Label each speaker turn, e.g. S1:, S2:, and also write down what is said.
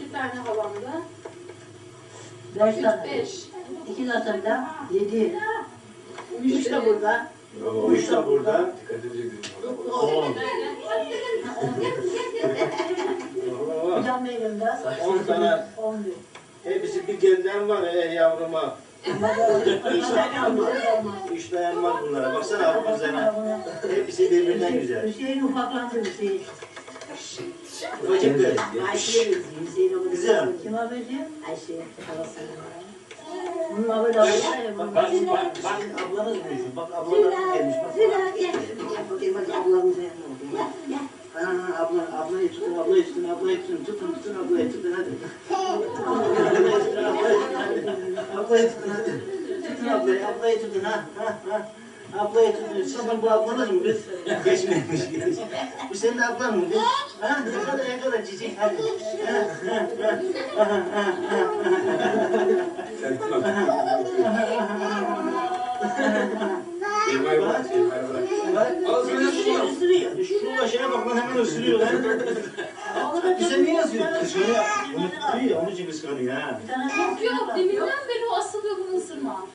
S1: Bir tane halamda.
S2: 5 tane.
S1: 5.
S2: 2 zaten de 7. 3 de burada.
S3: 3 de burada.
S2: Bir tane elimde.
S3: 10 tane.
S2: 11.
S3: Hepsi bir gelden var yavruma.
S2: 3 tane olmaz.
S3: 3 dayanmaz bunlara. Baksana abi kızlarına. Hepsi birbirinden güzel.
S2: Hüseyin ufaklandı Hüseyin.
S3: Ufacık kız.
S4: Ayşe'ye benziyor. Hüseyin onu
S3: Güzel.
S2: Kime benziyor?
S4: Ayşe'ye halasına.
S2: Bunun adı da var ya.
S3: Bak ablanız mı? Bak ablalarım gelmiş. Bak.
S4: Bakayım hadi ablamın üzerine oldu.
S3: Ablayı tutun, ablayı tutun, ablayı tutun. Tutun, ablayı tutun hadi. Ablayı tutun hadi. Tutun ablayı tutun ha. Ablayı tutun. Sizin bu ablanız mı kız? Geçmemiş. Bu senin ablan mı kız? Ha? Ne kadar cici hadi. Isırıyor. Şu başına bak lan hemen ısırıyor lan. Bize niye yazıyor? Şöyle, onu tutuyor ya, onun için kıskanıyor ha.
S1: Yok yok, deminden beri o asılıyor bunu ısırma.